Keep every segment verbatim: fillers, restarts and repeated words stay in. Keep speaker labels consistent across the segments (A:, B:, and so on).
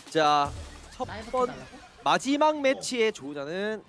A: 자, 첫
B: 나이부터
A: 번
B: 달라고?
A: 마지막 매치의 조우자는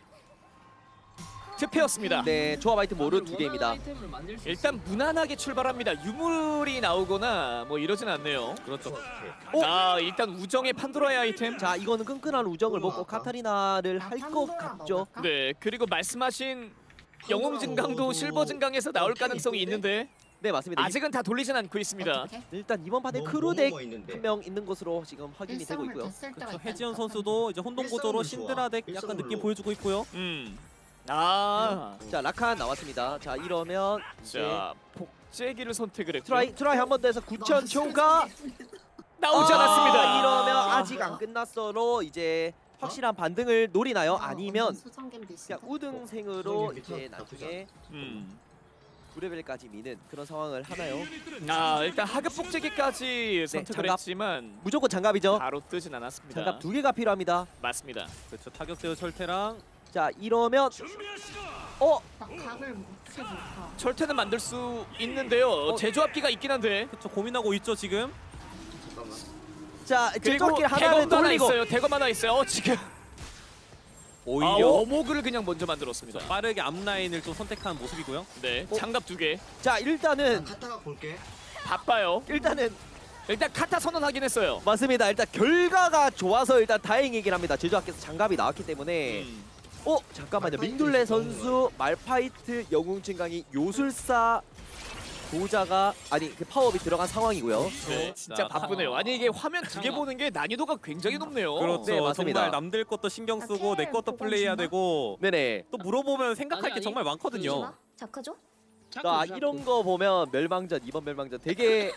C: 투표였습니다.
A: 네 조합 아이템 모르 두 개입니다.
C: 일단 무난하게 출발합니다. 유물이 나오거나 뭐 이러진 않네요.
D: 그렇죠.
A: 오!
C: 아 일단 우정의 판도라의 아이템.
A: 자, 이거는 끈끈한 우정을 먹고 카타리나를 할 것 같죠.
C: 네 그리고 말씀하신 영웅 증강도 실버 증강에서 나올 가능성이 있는데
A: 네, 맞습니다.
C: 아직은 다 돌리진 않고 있습니다.
B: 어떻게?
A: 일단 이번 판에
E: 뭐,
A: 크루덱
E: 뭐 있는데.
A: 한 명 있는 것으로 지금 확인이 되고 있고요.
D: 그렇죠. 해지연 선수도 이제 혼동 구조로 신드라 덱 약간 느낌 보여주고 있고요.
C: 음. 아.
A: 자, 라칸 나왔습니다. 자, 이러면 이제
C: 자 복제기를 선택을 했고
A: 트라이 트라이 한 번 더 해서 구천 초가
C: 나오지
A: 아,
C: 않았습니다.
A: 이러면 아직 안 끝났어로 이제 확실한 반등을 노리나요? 아니면 그냥 우등생으로 이제 나중에
C: 음.
A: 구 레벨까지 미는 그런 상황을 하나요?
C: 아 일단 하급 복제기까지 선택을
A: 네, 장갑.
C: 했지만
A: 무조건 장갑이죠.
C: 바로 뜨진 않았습니다.
A: 장갑 두 개가 필요합니다.
C: 맞습니다.
D: 그렇죠. 타격 제어 철퇴랑
A: 자, 이러면 어?
B: 나 각을 못 세볼까?
C: 철퇴는 만들 수 있는데요.
A: 어.
C: 제조합기가 있긴 한데
D: 그렇죠. 고민하고 있죠 지금.
E: 잠깐만.
A: 자,
C: 그리고
A: 제조기 하나를
C: 대검도 하나
A: 돌리고
C: 있어요. 대검 하나 있어요. 어, 지금
D: 오히려
C: 아, 어목을 그냥 먼저 만들었습니다.
D: 빠르게 앞라인을 좀 선택한 모습이고요.
C: 네,
A: 어?
C: 장갑 두 개.
A: 자, 일단은
E: 갔다가 볼게.
C: 바빠요.
A: 일단은
C: 일단 카타 선언하긴 했어요.
A: 맞습니다. 일단 결과가 좋아서 일단 다행이긴 합니다. 제조학께서 장갑이 나왔기 때문에
C: 음.
A: 어? 잠깐만요. 민둘레 선수 말파이트 영웅 증강이 요술사 도자가 아니 그 파워업이 들어간 상황이고요.
C: 네, 진짜
D: 자,
C: 바쁘네요. 아니 이게 화면 두 개 보는 게 난이도가 굉장히 높네요.
D: 그렇죠.
A: 네, 맞습니다.
D: 정말 남들 것도 신경 쓰고 내 것도 플레이해야 되고
A: 네네.
D: 또 물어보면 생각할
B: 아니,
D: 게
B: 아니.
D: 정말 많거든요.
B: 자크죠?
A: 자, 이런 거 보면 멸망전 이번 멸망전 되게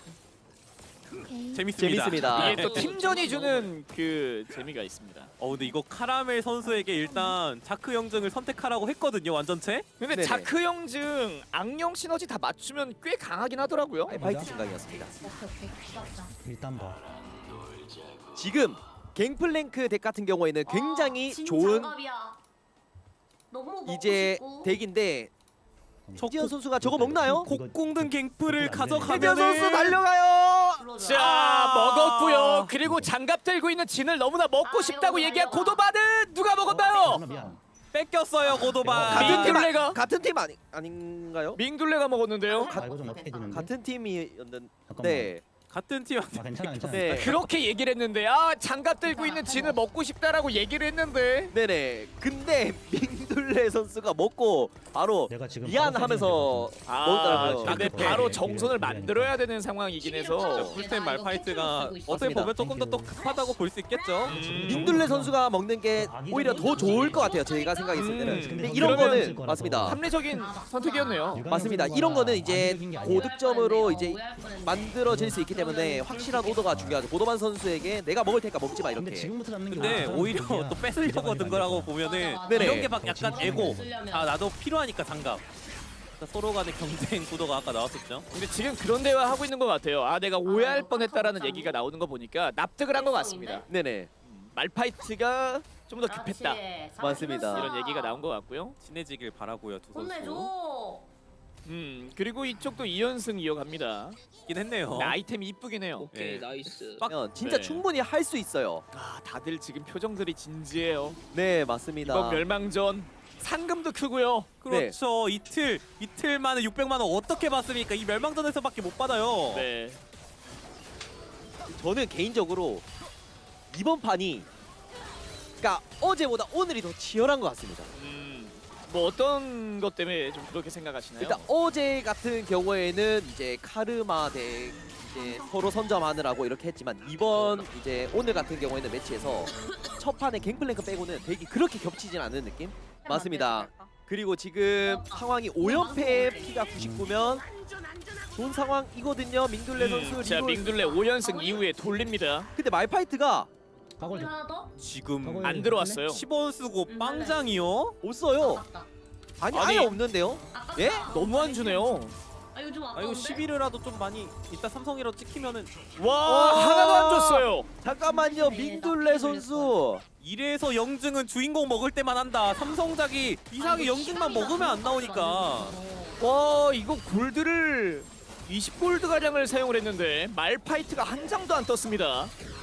D: 재밌습니다.
A: 재밌습니다.
C: 이게 또 팀전이 주는 그 재미가 있습니다.
D: 어 근데 이거 카라멜 선수에게 일단 자크 영증을 선택하라고 했거든요. 완전체.
C: 근데
A: 네네.
C: 자크 형증 악령 시너지 다 맞추면 꽤 강하긴 하더라고요.
A: 말파이트 증강이었습니다.
B: 오케이 오케이. 시작자.
F: 일단 봐.
A: 지금 갱플랭크 덱 같은 경우에는 굉장히
B: 아, 진짜
A: 좋은
B: 장갑이야. 너무 먹고
A: 이제
B: 싶고.
A: 덱인데
D: 저
A: 해지연 선수가 저거 먹나요?
D: 곡공든 갱플을
A: 해지연
D: 가져가면은
A: 선수 달려가요.
B: 불러줘.
C: 자
D: 아.
C: 먹었고요. 그리고 장갑 들고 있는 진을 너무나 먹고
B: 아,
C: 싶다고
B: 이거
C: 얘기한
B: 이거.
C: 고도바는 누가 먹었나요?
F: 미안, 미안.
D: 뺏겼어요 고도바.
A: 같은 팀
C: 민둘레가?
A: 아, 같은 팀 아니 아닌가요?
C: 민둘레가 먹었는데요.
F: 아 이거 좀 어떻게 되는데?
A: 같은 팀이었는데
F: 잠깐만.
A: 네.
D: 같은 팀.
F: 아 괜찮아 괜찮아.
A: 네.
C: 그렇게 얘기를 했는데 아 장갑 들고 있는 진을 먹고 싶다라고 얘기를 했는데
A: 네네. 근데 민둘레 선수가 먹고 바로
F: 내가 지금
A: 미안하면서
C: 아
A: 먹더라고요.
C: 근데
F: 네.
C: 바로
F: 네.
C: 정선을
F: 네.
C: 만들어야 되는 상황이긴 해서
D: 풀스텝 말파이트가 어떻게
A: 맞습니다.
D: 보면 조금 더 또 급하다고 볼 수 있겠죠.
C: 음.
A: 민둘레 선수가 먹는 게 오히려 더 좋을 것 같아요. 제가 생각했을 때는.
C: 음.
A: 근데 이런
C: 그러면
A: 거는 맞습니다.
C: 합리적인 선택이었네요.
A: 맞습니다. 이런 거는 이제 고득점으로 이제 만들어질 수 있기 때문에 확실한 오더가 중요하죠. 고도만 선수에게 내가 먹을 테니까 먹지 마
F: 근데
A: 이렇게.
F: 지금부터 잡는 게
D: 근데
F: 오히려
D: 오히려
F: 사람들이야.
D: 또 뺏으려고 든 거라고 보면은
A: 네네.
D: 이런 게 막 약간
F: 진짜
D: 에고.
B: 쓰려면.
D: 아 나도 필요하니까 장갑. 그러니까 서로 간의 경쟁 구도가 아까 나왔었죠.
C: 근데 지금 그런 대화 하고 있는 것 같아요. 아 내가 오해할 뻔했다라는 얘기가 나오는 거 보니까 납득을 한 것 같습니다.
A: 네네.
C: 음, 말파이트가 좀 더 급했다
A: 맞습니다.
C: 이런 얘기가 나온 것 같고요.
D: 친해지길 바라고요 두 선수.
B: 혼내줘.
C: 음 그리고 이쪽도 이 연승 이어갑니다.
D: 있긴 했네요.
C: 근데 아이템이 이쁘긴 해요.
D: 오케이,
C: 나이스.
A: 그러면 진짜
C: 네.
A: 충분히 할 수 있어요.
C: 아 다들 지금 표정들이 진지해요.
A: 네 맞습니다.
C: 이번 멸망전 상금도 크고요.
D: 그렇죠. 이틀 이틀 만에 육백만 원 어떻게 받습니까? 이 멸망전에서밖에 못 받아요.
C: 네.
A: 저는 개인적으로 이번 판이 그러니까 어제보다 오늘이 더 치열한 것 같습니다.
C: 음, 뭐 어떤 것 때문에 좀 그렇게 생각하시나요?
A: 일단 어제 같은 경우에는 이제 카르마 대 이제 서로 선점하느라고 이렇게 했지만 이번 이제 오늘 같은 경우에는 매치에서 첫 판에 갱플랭크 빼고는 덱이 그렇게 겹치진 않는 느낌? 맞습니다. 그리고 지금 상황이 오 연패에 피가 구십구면 좋은 상황이거든요. 민둘레 선수.
C: 음, 자
A: 리롤.
C: 민둘레 오 연승 이후에 돌립니다.
A: 근데 말파이트가
F: 각을 좀.
B: 하나 더?
D: 지금
C: 안 들어왔어요.
D: 십 원 쓰고 빵장이요?
A: 없어요.
B: 아깝다.
A: 아니,
C: 아니.
A: 아예 없는데요?
B: 아깝다.
A: 예?
C: 너무 안 주네요.
B: 아 요즘
D: 아
B: 아까운데?
D: 이거 십일이라도 좀 많이 이따 삼성이라도 찍히면은
C: 와
A: 와.
C: 하나도 안 줬어요.
A: 잠깐만요. 민둘레 선수.
D: 이래서 영증은 주인공 먹을 때만 한다. 삼성작이 이상하게 영증만 먹으면 안 나오니까.
C: 와 이거 골드를 이십 골드 가량을 사용을 했는데 말파이트가 한 장도 안 떴습니다.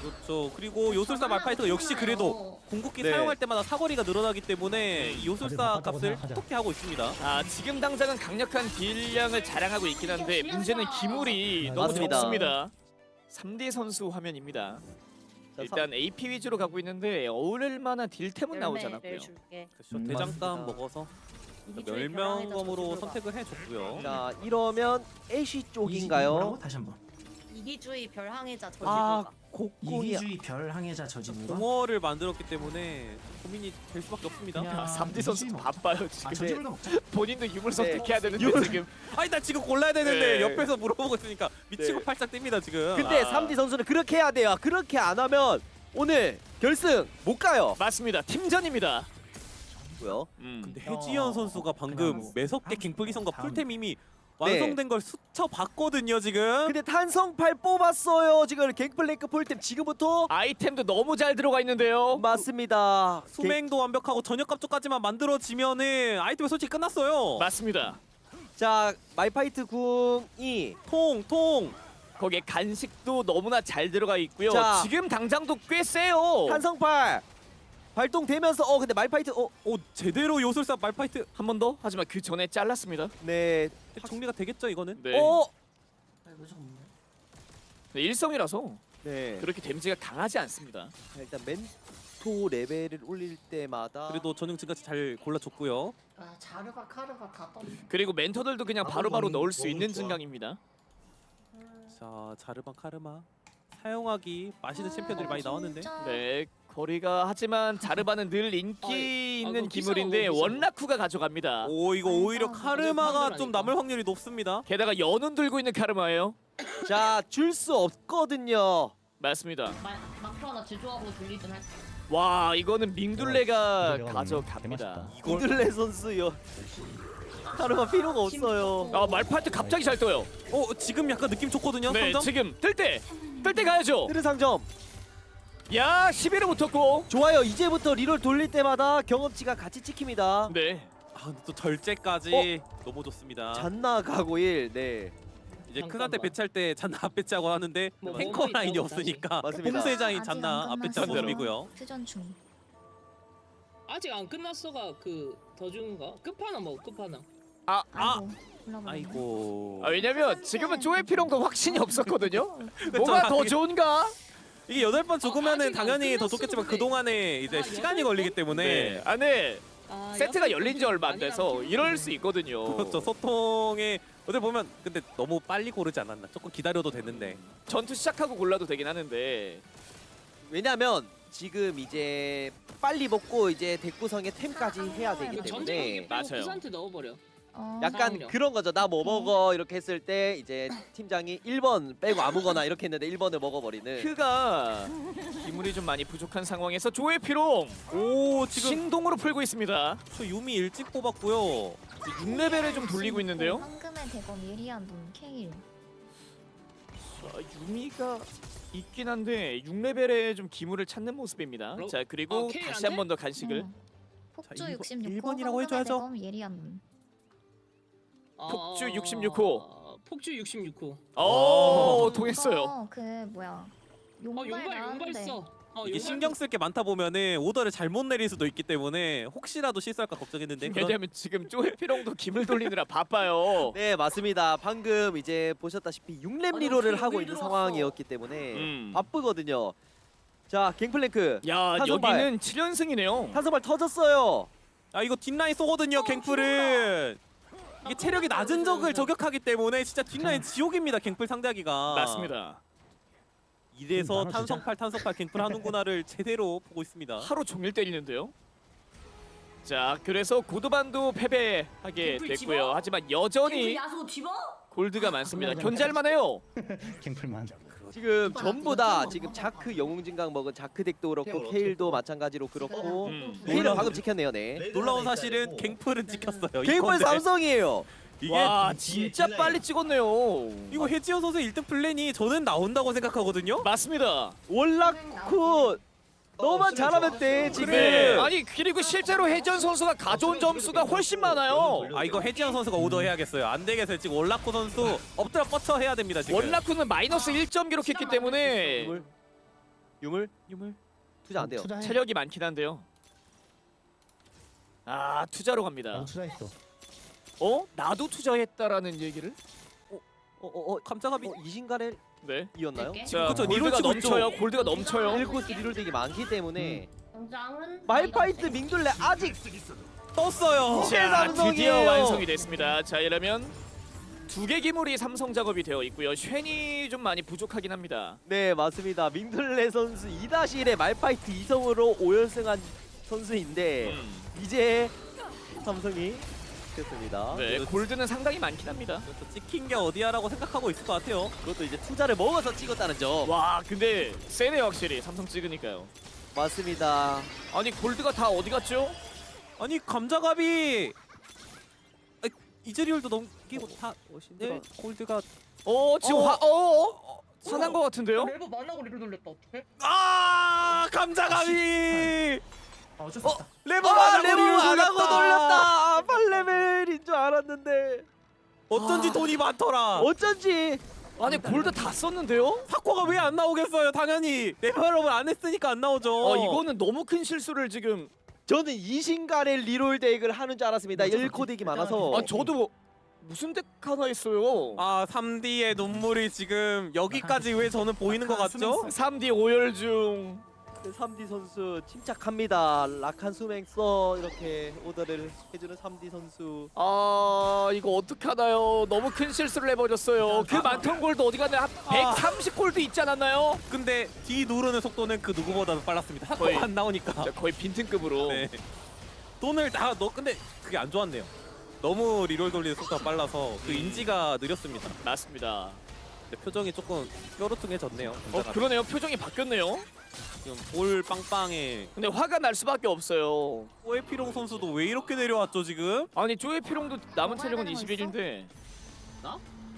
D: 그렇죠. 그리고 요술사 말파이트가 역시 그래도 궁극기
A: 네.
D: 사용할 때마다 사거리가 늘어나기 때문에 이 요술사 값을 톡톡히 하고 있습니다.
C: 아 지금 당장은 강력한 딜량을 자랑하고 있긴 한데 문제는 기물이 너무
A: 맞습니다.
C: 적습니다. 삼 디 선수 화면입니다.
A: 자,
C: 일단 에이피 위주로 가고 있는데 어울릴 만한 딜템은 나오지 않았고요.
D: 그렇죠.
E: 음,
D: 대장감
A: 맞습니다.
D: 먹어서 멸명검으로 선택을 해줬고요.
A: 자 이러면 애쉬 쪽인가요?
E: 뭐라고? 다시 한번.
F: 이기주의 별항해자
A: 아
F: 저지불가.
A: 곡궁이
E: 이기주의 별 항해자 저지부가
D: 공허를 만들었기 때문에 고민이 될 수밖에 없습니다.
E: 그냥-
C: 아, 삼 디 선수
E: 이기주의
C: 바빠요
E: 아
C: 지금.
E: 저지불가 먹자.
C: 본인도 유물
A: 네.
C: 선택해야 되는데
A: 유물.
C: 지금.
D: 아니 나 지금 골라야 되는데
C: 네.
D: 옆에서 물어보고 있으니까 미치고
A: 네.
D: 팔짝 뜹니다 지금.
A: 근데
C: 아.
A: 삼 디 선수는 그렇게 해야 돼요. 그렇게 안 하면 오늘 결승 못 가요.
C: 맞습니다. 팀전입니다.
A: 고요.
C: 음.
D: 근데 해지연 선수가 방금
E: 그냥
D: 매섭게
E: 다음,
D: 갱플기선과
E: 다음.
D: 풀템 이미 완성된 걸 스쳐 봤거든요 지금.
A: 근데 탄성팔 뽑았어요. 지금 갱플랭크 폴템 지금부터
C: 아이템도 너무 잘 들어가 있는데요.
A: 맞습니다.
D: 수맹도 완벽하고 전역값 쪽까지만 만들어지면은 아이템이 솔직히 끝났어요.
C: 맞습니다.
A: 자 말파이트 궁이
D: 통 통.
C: 거기에 간식도 너무나 잘 들어가 있고요.
A: 자.
C: 지금 당장도 꽤 세요.
A: 탄성팔 발동되면서 어 근데 말파이트 어
D: 오 제대로 요술사 말파이트
C: 한 번 더. 하지만 그 전에 잘랐습니다.
A: 네.
D: 정리가 되겠죠 이거는?
C: 네.
A: 어
C: 네, 일성이라서
A: 네.
C: 그렇게 데미지가 강하지 않습니다.
A: 자, 일단 멘토 레벨을 올릴 때마다
D: 그래도 전용 증가치 잘 골라줬고요.
B: 아 자르바 카르바 다 떴네.
C: 그리고 멘토들도 그냥 바로바로 넣을 수 있는 증강입니다.
D: 자 자르반 카르마 사용하기 맛있는 챔피언들이 많이 나왔는데.
C: 네. 거리가 하지만 자르바는 늘 인기
G: 아이,
C: 있는
G: 아이고,
C: 기물인데
G: 비싸고, 비싸고.
C: 원라쿠가 가져갑니다.
D: 오 이거 오히려
F: 완전
D: 카르마가
G: 완전
D: 좀
G: 판단하니까.
D: 남을 확률이 높습니다.
C: 게다가 연운 들고 있는 카르마예요.
A: 자 줄 수 없거든요.
C: 맞습니다.
B: 마크 하나 제조하고 돌리든 할.
C: 와 이거는 밍둘레가
H: 밍둘레가
C: 가져갑니다.
A: 이들레 선수요. 카르마 필요가 없어요.
C: 아 말파이트 갑자기 잘 떠요.
D: 어 지금 약간 느낌 좋거든요.
C: 네
D: 삼점?
C: 지금 뜰 때 뜰 때 가야죠.
A: 뜨르 상점
C: 야 십일을 붙었고.
A: 좋아요. 이제부터 리롤 돌릴 때마다 경험치가 같이 찍힙니다.
C: 네.
D: 아 근데 또 절제까지 너무 좋습니다.
A: 잔나 가고일 네
D: 이제
G: 잠깐만.
D: 크산테 배치할 때 잔나 앞 배치하고 하는데
G: 뭐,
D: 탱커
G: 뭐
D: 라인이
G: 있다고
D: 없으니까
A: 맞습니다.
D: 홈세자인
F: 아직
D: 잔나
F: 안
D: 앞 배치한
F: 끝났어요.
D: 모습이고요.
F: 회전 중.
G: 아직 안 끝났어가 그 더 준가? 끝판왕 먹어 끝판왕.
C: 아,
F: 아이고. 올라버렸네.
D: 아이고
C: 아, 왜냐면 지금은 쪼의 필요도 확신이 없었거든요.
D: 그쵸,
C: 뭐가 더
D: 이게-
C: 좋은가?
D: 이게 여덟 번 죽으면은
G: 아직 안
D: 당연히 더
G: 끝났어도
D: 좋겠지만
G: 그래.
D: 그 동안에 이제
G: 아,
D: 시간이
G: 여덟
D: 걸리기
G: 번?
D: 때문에
C: 네. 아, 네.
G: 아,
C: 세트가
G: 여섯
C: 열린 지
G: 번
C: 얼마 안 돼서
G: 아니랑
C: 이럴 수 있거든요.
D: 그렇죠. 소통에 어떻게 보면 근데 너무 빨리 고르지 않았나? 조금 기다려도 되는데.
C: 전투 시작하고 골라도 되긴 하는데.
A: 왜냐면 지금 이제 빨리 먹고 이제 대구성의 템까지 해야 되기
G: 이거 전쟁
A: 때문에
G: 경기
C: 맞아요.
G: 빼고 부산테 넣어버려.
F: 어.
A: 약간
G: 싸움이요.
A: 그런 거죠. 나 뭐 먹어 이렇게 했을 때 이제 팀장이 일 번 빼고 아무거나 이렇게 했는데 일 번을 먹어버리는.
C: 크가 기물이 좀 많이 부족한 상황에서 조의 피롱
D: 오 지금
C: 신동으로 풀고 있습니다.
D: 저 유미 일찍 뽑았고요.
C: 육 레벨을 좀 돌리고 있는데요.
F: 황금의 대검 예리한 눈 케일.
C: 아, 유미가 있긴 한데 육 레벨에 좀 기물을 찾는 모습입니다.
G: 그럼-
C: 자 그리고
G: 어,
C: 다시
G: K한테?
C: 한 번 더 간식을.
F: 응. 폭주
D: 자, 일본-
F: 육십육 호.
D: 일본이라고
F: 황금의
D: 해줘야죠.
F: 대검 예리한 눈.
C: 폭주
G: 아,
C: 육십육 호.
G: 아, 폭주 육십육 호.
C: 오 통했어요.
F: 이거 그 뭐야.
G: 어
F: 용발
G: 용발 용발
F: 나왔는데.
G: 써. 어,
D: 이게
G: 용발
D: 신경 쓸 게 많다 보면은 오더를 잘못 내릴 수도 있기 때문에 혹시라도 실수할까 걱정했는데 그런-
C: 왜냐면 지금 조의 피롱도 기물 돌리느라 바빠요.
A: 네 맞습니다. 방금 이제 보셨다시피 육 렙
B: 아니,
A: 리롤을
B: 어떻게
A: 하고
B: 여길
A: 있는
B: 들어왔어?
A: 상황이었기 때문에
C: 음.
A: 바쁘거든요. 자 갱플랭크
C: 야
A: 탄성발.
C: 여기는 칠 연승이네요.
A: 탄성발 터졌어요.
D: 아 이거 뒷라인 쏘거든요 갱플은. 이게 체력이 낮은 적을 저격하기 때문에 진짜 뒷라인 지옥입니다 갱플 상대하기가.
C: 맞습니다.
D: 이래서
H: 나눠주자.
D: 탄성팔 탄성팔 갱플 하는구나를 제대로 보고 있습니다.
C: 하루 종일 때리는데요. 자 그래서 고도반도 패배하게
B: 갱플
C: 됐고요.
B: 집어?
C: 하지만
B: 갱플
C: 여전히
B: 야수 집어?
C: 골드가 많습니다. 견제할만해요.
H: 갱플만.
A: 지금 전부 다 지금 자크 영웅 증강 먹은 자크 덱도 그렇고 케일도 마찬가지로 그렇고
C: 음.
A: 케일은 방금 지켰네요. 네.
D: 놀라운 사실은 갱플은 찍혔어요.
A: 갱플
D: 이건데
A: 삼성이에요.
D: 이게
C: 와 진짜 빨리 찍었네요.
D: 이거 해지현 선수 일 등 플랜이 저는 나온다고 생각하거든요.
C: 맞습니다.
A: 월라쿠 너만 잘하면 돼 지금.
C: 네. 아니 그리고 실제로 혜전 선수가 가져온 점수가 훨씬 많아요.
D: 아 이거 해지현 선수가 오더 해야겠어요. 안 되겠어요. 지금 월라코 선수 엎드려 뻗쳐 해야 됩니다. 지금.
C: 원라쿠는 마이너스 일 점 기록했기 때문에
A: 유물
D: 유물.
A: 투자 안 돼요.
E: 투자해.
C: 체력이 많긴 한데요. 아 투자로 갑니다.
E: 나도 투자했어.
C: 어? 나도 투자했다라는 얘기를?
A: 어어어
D: 감자갑이
A: 어, 이신가렐
C: 네.
A: 이었나요?
B: 네.
C: 자
D: 그쵸,
C: 골드가
D: 리롤 치고 있죠.
C: 넘쳐요. 골드가 넘쳐요.
A: 일 코스 리롤 되게 많기 때문에
B: 당장은
A: 말파이트 밍돌레 아직
D: 떴어요.
A: 이제
C: 자
A: 삼성이에요.
C: 드디어 완성이 됐습니다. 자 이러면 두 개 기물이 삼성 작업이 되어 있고요. 쉔이 좀 많이 부족하긴 합니다.
A: 네 맞습니다. 밍돌레 선수 이 다시 일의 말파이트 이성으로 오 연승한 선수인데
C: 음.
A: 이제 삼성이 됐습니다.
C: 네 골드는 상당히 많긴 합니다.
D: 그래서 찍힌 게 어디야라고 생각하고 있을 것 같아요.
A: 그것도 이제 투자를 먹어서 찍었다는 점.
C: 와 근데 세네 확실히 삼성 찍으니까요.
A: 맞습니다.
C: 아니 골드가 다 어디 갔죠?
D: 아니 감자갑이 아, 이즈리얼도 넘기고 다 네, 골드가
C: 어 지금
A: 어.
C: 화 어? 어? 화난 것 같은데요?
B: 레버 만나고 리를 돌렸다 어떡해?
D: 아 감자갑이
E: 아, 어쩔 수 없다.
D: 레버
A: 아
D: 안
A: 레몬
D: 하고
A: 안 하고 돌렸다. 아, 팔 레벨인 줄 알았는데
D: 어쩐지
C: 아.
D: 돈이 많더라.
A: 어쩐지
C: 아니 골드 다 썼는데요?
D: 사코가 왜 안 나오겠어요? 당연히 레벨업을 안 했으니까 안 나오죠.
C: 어 이거는 너무 큰 실수를 지금
A: 저는 이신가렐 리롤 덱을 하는 줄 알았습니다.
E: 맞아,
A: 일 코 덱이 많아서.
C: 아 저도 무슨 덱 하나 있어요.
D: 아 삼 D의 눈물이 지금 여기까지 왜 저는 보이는 것 같죠?
C: 삼 디 오열 중.
A: 네, 삼 디 선수 침착합니다. 락한 수맹 써 이렇게 오더를 해주는 삼 디 선수.
C: 아 이거 어떡하나요? 너무 큰 실수를 해버렸어요. 그 많던 골드 어디 갔나요? 한 백삼십 골드 있지 않았나요?
D: 근데 뒤 누르는 속도는 그 누구보다도 빨랐습니다.
C: 거의-
D: 사코가 안 나오니까.
C: 진짜 거의 빈틈급으로.
D: 네. 돈을 다 넣. 근데 그게 안 좋았네요. 너무 리롤 돌리는 속도가 빨라서 그 인지가 느렸습니다.
C: 맞습니다.
D: 근데 표정이 조금 뾰루퉁해졌네요.
C: 어
D: 감자갑이.
C: 그러네요. 표정이 바뀌었네요.
D: 지금 볼 빵빵에
C: 근데 화가 날 수밖에 없어요.
D: 오에피롱 선수도 왜 이렇게 내려왔죠 지금?
C: 아니 조에피롱도 남은 체력은
B: 되는 거
C: 이십일인데
F: 아,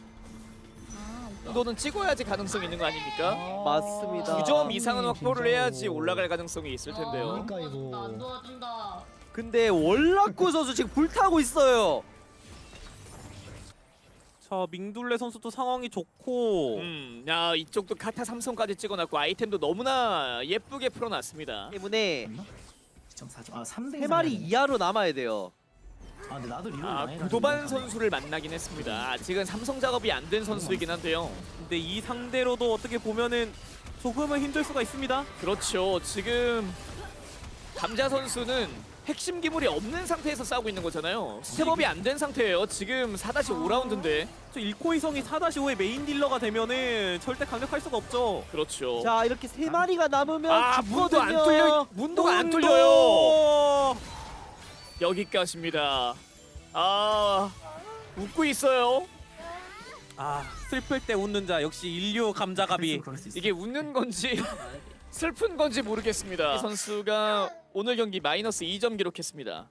C: 너는 찍어야지 가능성 있는 거 아닙니까?
A: 맞습니다.
C: 두 점 이상은 확보를
E: 진짜로.
C: 해야지 올라갈 가능성이 있을 텐데요.
E: 그러니까 이거.
B: 안 도와준다.
A: 근데 월라쿠 선수 지금 불타고 있어요.
D: 자 밍둘레 선수도 상황이 좋고
C: 음, 야 이쪽도 카타 삼성까지 찍어놨고 아이템도 너무나 예쁘게 풀어놨습니다.
A: 때문에
E: 이 점 사 점. 아, 삼 대
A: 세 마리 이하로 남아야 돼요.
E: 아, 근데 나도 리롤
C: 아
E: 많이
C: 구도반
E: 가지고
C: 선수를 만나긴 했습니다. 아직은 삼성 작업이 안 된 선수이긴 한데요.
D: 근데 이 상대로도 어떻게 보면은 조금은 힘들 수가 있습니다.
C: 그렇죠. 지금 감자 선수는 핵심 기물이 없는 상태에서 싸우고 있는 거잖아요. 스텝업이 안 된 상태예요. 지금 사 오 라운드인데.
D: 저 일코이성이 사 오의 메인 딜러가 되면은 절대 강력할 수가 없죠.
C: 그렇죠.
A: 자 이렇게 세 마리가 남으면
C: 아 문도 안
A: 죽거든요.
C: 뚫려 문도가 안
D: 문도!
C: 뚫려요. 여기까지입니다. 아 웃고 있어요.
D: 아 슬플 때 웃는 자 역시 인류 감자갑이.
E: 그럴 수 있어.
C: 이게 웃는 건지 슬픈 건지 모르겠습니다. 이 선수가 오늘 경기 마이너스 이 점 기록했습니다.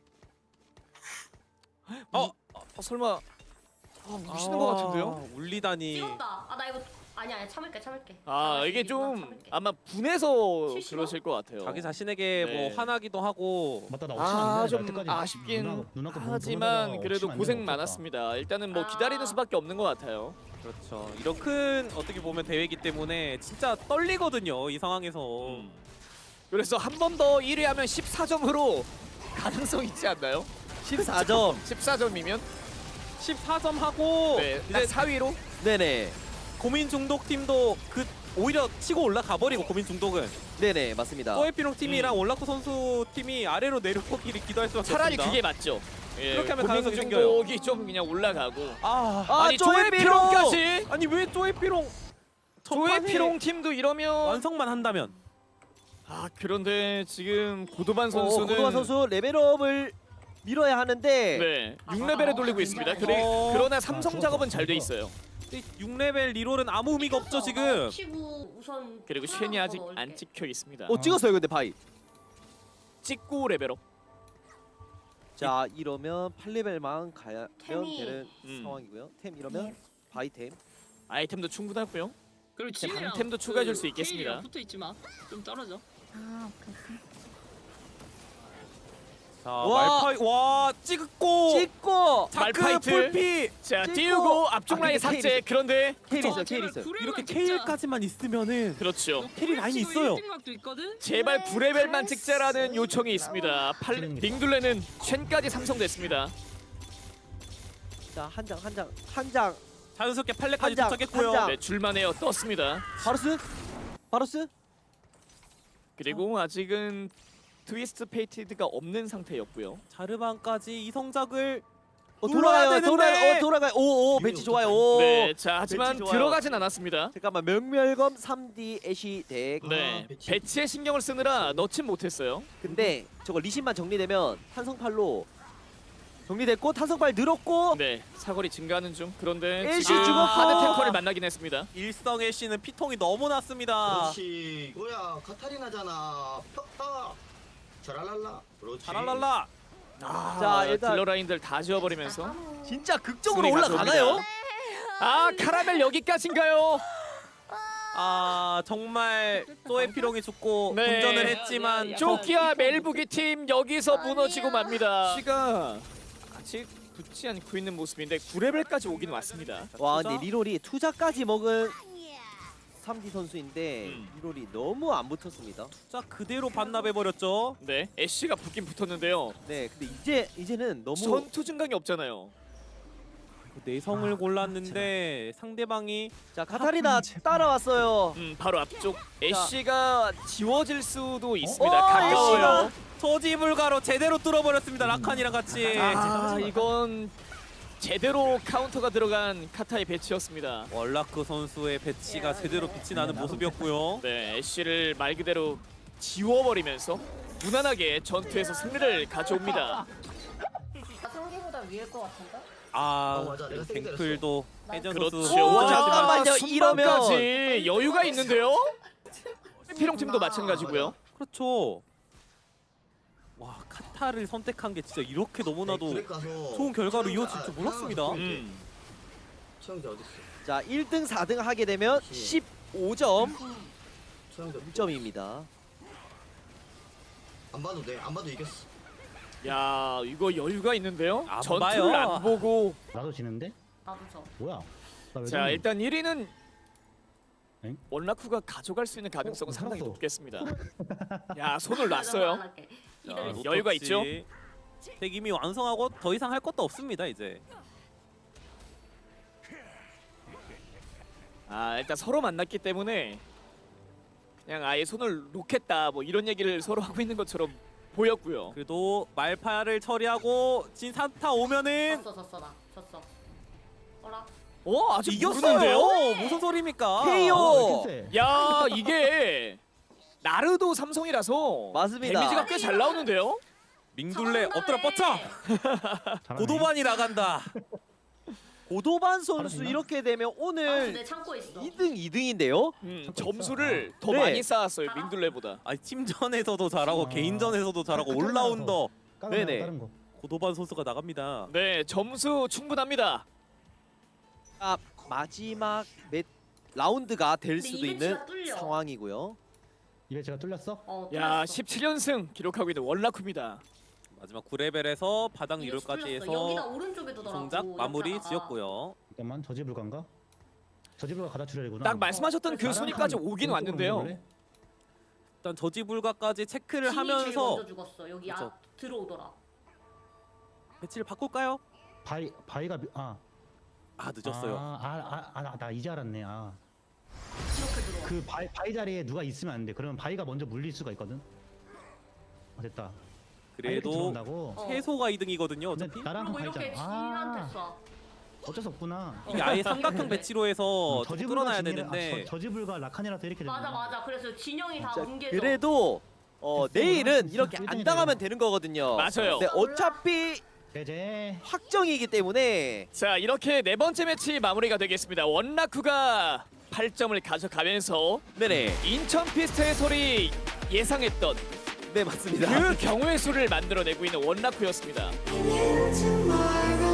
D: 어?
C: 어, 어 설마 아, 우시는 것 같은데요?
D: 울리다니.
B: 찍었다. 아 나 이거 아니 아니 참을게 참을게.
C: 아
B: 나
C: 이게
B: 이거
C: 좀
B: 참을게.
C: 아마 분해서
B: 실시간?
C: 그러실 것 같아요.
D: 자기 자신에게
C: 네.
D: 뭐 화나기도 하고.
E: 맞다, 나
C: 아
E: 옵션
C: 좀
E: 안 돼. 나 여태까지
C: 아쉽긴
E: 누나- 누나 거 보고
C: 하지만
E: 보다가
C: 그래도
E: 옵션 안
C: 고생
E: 되면
C: 많았습니다. 일단은 뭐
B: 아.
C: 기다리는 수밖에 없는 것 같아요.
D: 그렇죠. 이런 큰 어떻게 보면 대회이기 때문에 진짜 떨리거든요. 이 상황에서.
C: 음. 그래서 한 번 더 일 위 하면 십사 점으로 가능성 있지 않나요?
A: 십사 점.
C: 십사 점이면
D: 십사 점 하고
C: 네,
D: 이제
C: 이제 사 위로
A: 네네.
D: 고민 중독 팀도 그 오히려 치고 올라가 버리고 고민 중독은
A: 네네 맞습니다.
D: 꼬에피롱 팀이랑 올라쿠 선수 팀이 아래로 내려오기를 기도할 수밖에
C: 차라리
D: 없습니다.
C: 그게 맞죠. 예,
D: 그렇게 하면
C: 고민
D: 가능성이
C: 중독이 좀 그냥 올라가고
D: 아,
A: 아,
C: 아니
A: 쪼에피롱!
C: 쪼에피롱까지
D: 아니 왜 쪼에피롱
C: 쪼에피롱 팀도 이러면
D: 완성만 한다면
C: 아 그런데 지금 고도반
A: 어,
C: 선수는
A: 고도환 선수 레벨업을 밀어야 하는데
C: 네 육 레벨에 돌리고 있습니다. 그래,
D: 어.
C: 그러나 삼성
E: 아,
C: 작업은
E: 좋았어,
C: 잘 돼
E: 좋았어.
C: 있어요.
D: 육 레벨 리롤은 아무 의미가 없죠 지금.
B: 치고 우선
C: 그리고
B: 하나
C: 쉔이
B: 더
C: 아직
B: 넣을게.
C: 안 찍혀 있습니다.
A: 어 찍었어요 근데 바이.
C: 찍고 레벨업.
A: 자 이러면 팔 레벨만 가면
B: 템이-
A: 되는
C: 음.
A: 상황이고요. 템 이러면 바이템.
C: 아이템도 충분하고요.
G: 그리고
C: 제
G: 지혜랑
C: 방템도
G: 그
C: 추가해줄 수 있겠습니다.
G: 케일이랑 붙어 있지 마. 좀 떨어져.
F: 아, 오케이, 오케이.
D: 자
A: 와.
D: 말파이 와 찍고
A: 찍고
D: 자크
C: 말파이트.
D: 풀피
C: 자
A: 찍고.
C: 띄우고 앞쪽
A: 아,
C: 라인
A: 근데
C: 삭제. 그런데
A: 케일 있어
G: 어,
A: 케일
G: 제발
A: 있어.
G: 구레만
D: 이렇게
G: 찍자.
D: 케일까지만 있으면은
C: 그렇죠.
D: 캐리 라인이 있어요.
G: 일 등 각도 있거든.
C: 제발 구레벨만 찍자라는 요청이 있습니다. 팔,
E: 음.
C: 링둘레는 쉔까지 삼성됐습니다.
A: 자 한 장 한 장 한 장
D: 자연스럽게 팔레까지
A: 한 장,
D: 도착했고요.
A: 한 장.
C: 네, 줄만해요. 떴습니다.
A: 바로스 바로스
C: 그리고 아직은 트위스트 페이티드가 없는 상태였고요.
D: 자르반까지 이 성작을
A: 어,
D: 눌러야
A: 돌아가요
D: 되는데.
A: 돌아가요 어, 돌아가요 오오 배치 좋아요 오
C: 네, 자 하지만
A: 배치 좋아요.
C: 들어가진 않았습니다.
A: 잠깐만 명멸검 삼 디 애쉬 덱
C: 네,
E: 아, 배치.
C: 배치에 신경을 쓰느라 넣진 못했어요.
A: 근데 저거 리신만 정리되면 탄성팔로 정리됐고 탄성팔 늘었고
C: 네, 사거리 증가하는 중. 그런데
A: 애쉬
C: 지금
A: 죽었고.
C: 하드 탱커를 만나긴 했습니다.
D: 일성의 씨는 피통이 너무 났습니다.
H: 그렇지 이거야 카타리나잖아 팍팍 자랄랄라 그렇지
D: 자랄랄라.
C: 아,
A: 자, 일단-
C: 딜러 라인들 다 지워버리면서
A: 진짜 극적으로
C: 승리
A: 올라가나요?
C: 가져옵니다. 아 카라멜 여기까지인가요?
D: 아 정말 소에피롱이 죽고
C: 네.
D: 분전을 했지만
G: 야, 야,
C: 조키와 멜부기 팀 여기서
F: 아니야.
C: 무너지고 맙니다. 시가 아직 붙지 않고 있는 모습인데 구 레벨까지 오긴 왔습니다.
A: 와
D: 투자?
A: 근데 리롤이 투자까지 먹은 삼 디 선수인데
C: 음.
A: 리롤이 너무 안 붙었습니다.
D: 자 그대로 반납해버렸죠.
C: 네, 애쉬가 붙긴 붙었는데요.
A: 네 근데 이제 이제는 너무
C: 전투 증강이 없잖아요.
D: 내성을
E: 아,
D: 골랐는데 상대방이
A: 자 카타리나 따라왔어요.
C: 음, 바로 앞쪽 애쉬가 지워질 수도 있습니다.
A: 어,
C: 가까워요.
D: 저지불가로 제대로 뚫어버렸습니다. 라칸이랑 같이.
C: 아, 이건 제대로 카운터가 들어간 카타의 배치였습니다.
D: 월라크 선수의 배치가 제대로 빛이 나는 모습이었고요.
C: 네, 애쉬를 말 그대로 지워버리면서 무난하게 전투에서 승리를 가져옵니다.
B: 상기보다 위일 것 같은데?
D: 아
H: 어, 맞아. 내가 세게
D: 갱플도 해전
C: 그렇죠.
D: 선수
A: 오,
C: 와,
A: 잠깐만요.
C: 순방까지 여유가 있는데요. 피롱 팀도 마찬가지고요.
D: 그렇죠. 와 카타를 선택한 게 진짜 이렇게 너무나도
H: 그렉 가서
D: 좋은 결과로
H: 최영자-
D: 이어질 줄 몰랐습니다.
H: 아,
C: 음.
H: 최영자 어딨어
A: 자 일 등 사 등 하게 되면 십오 점
H: 최영자
A: 일 점입니다.
H: 안 봐도 돼안 봐도 이겼어
C: 야, 이거 여유가 있는데요.
D: 안
C: 전투를
D: 봐요.
C: 안 보고.
E: 나도 지는데?
B: 나도 저.
E: 뭐야? 나왜
C: 자, 일단 일 위는
E: 엥?
C: 원라쿠가 가져갈 수 있는 가능성은
E: 어,
C: 상당히
E: 살았어.
C: 높겠습니다. 야, 손을 놨어요.
D: 자,
B: 이들
C: 어, 여유가 있죠?
D: 노터치. 덱 이미 완성하고 더 이상 할 것도 없습니다 이제.
C: 아, 일단 서로 만났기 때문에 그냥 아예 손을 놓겠다 뭐 이런 얘기를 서로 하고 있는 것처럼 보였고요.
D: 그래도 말파를 처리하고 진 산타 오면은
B: 졌어 졌어 나 졌어. 어라?
C: 어, 아직
D: 이겼어요.
C: 모르는데요?
D: 무슨 소리입니까?
A: 케이오.
E: 어, 왜 이렇게 세?
C: 야, 이게 나르도 삼성이라서
A: 맞습니다.
C: 데미지가 꽤 잘 나오는데요.
D: 밍둘레 엎드려 뻗쳐.
E: 잘하네.
D: 고도반이 나간다.
A: 고도반 선수
E: 알았나?
A: 이렇게 되면
B: 아,
A: 오늘
B: 내 참고 있어.
A: 이 등 이 등인데요.
C: 음,
E: 참고
C: 점수를
E: 있어.
C: 더
A: 네.
C: 많이 쌓았어요. 민둘레보다.
D: 아니 팀전에서도 잘하고
E: 아.
D: 개인전에서도 잘하고
E: 끝까지
D: 올라운더
E: 다른
A: 네네.
E: 거, 다른 거.
D: 고도반 선수가 나갑니다.
C: 네, 점수 충분합니다.
A: 아, 마지막 몇 라운드가 될
B: 근데
A: 수도
B: 이
A: 있는
B: 배치가 뚫려.
A: 상황이고요.
E: 이게 제가 뚫렸어?
B: 어,
C: 야,
B: 뚫렸어.
C: 십칠 연승 기록하고 있는 원라쿠입니다.
D: 마지막 구 레벨에서 바닥
B: 이거
D: 리롤까지
B: 뚫렸어.
D: 해서
B: 여기다 오른쪽에 두더라고.
D: 동작 마무리
B: 여기다가.
D: 지었고요.
E: 잠깐만 저지불가인가? 저지불가 가다 출혈이구나.
C: 딱 말씀하셨던 그
E: 나랑
C: 순위까지
E: 한
C: 오긴
E: 오른쪽으로
C: 왔는데요.
E: 먹을래?
D: 일단 저지불가까지 체크를
B: 진이 제일
D: 하면서
B: 먼저 죽었어. 여기
D: 그쵸.
B: 앞 들어오더라.
D: 배치를 바꿀까요?
E: 바이 바이가 미- 아
D: 아 늦었어요.
E: 아아아나 나 이제 알았네. 아.
B: 이렇게 들어와.
E: 그 바이, 바이 자리에 누가 있으면 안 돼. 그러면 바이가 먼저 물릴 수가 있거든. 아, 됐다. 아, 이렇게
D: 그래도
E: 들어온다고?
B: 어.
D: 최소가 이 등이거든요.
E: 근데
D: 어차피
E: 나랑
B: 그리고
E: 한
B: 이렇게
E: 바이잖아.
B: 진한테
E: 아,
B: 쏴.
E: 어쩔 수 없구나.
D: 이게 아예 삼각형 배치로 해서
E: 음,
D: 좀 뚫어놔야
E: 진이라-
D: 되는데
E: 아, 저, 저지불가 라칸이라서 이렇게
B: 맞아
E: 되는구나.
B: 맞아. 그래서 진영이 다
A: 자,
B: 뭉개져.
A: 그래도 어,
E: 됐어.
A: 내일은
E: 진짜
A: 이렇게 안
E: 꿀등이
A: 당하면
E: 되네.
A: 되는 거거든요.
C: 맞아요.
A: 근데 어차피
E: 제제.
A: 확정이기 때문에
C: 자, 이렇게 네 번째 매치 마무리가 되겠습니다. 원라쿠가 팔 점을 가져가면서
A: 네네
C: 인천 피스트 해설이 예상했던
A: 네 맞습니다.
C: 그 경우의 수를 만들어내고 있는 원라쿠였습니다.
I: tomorrow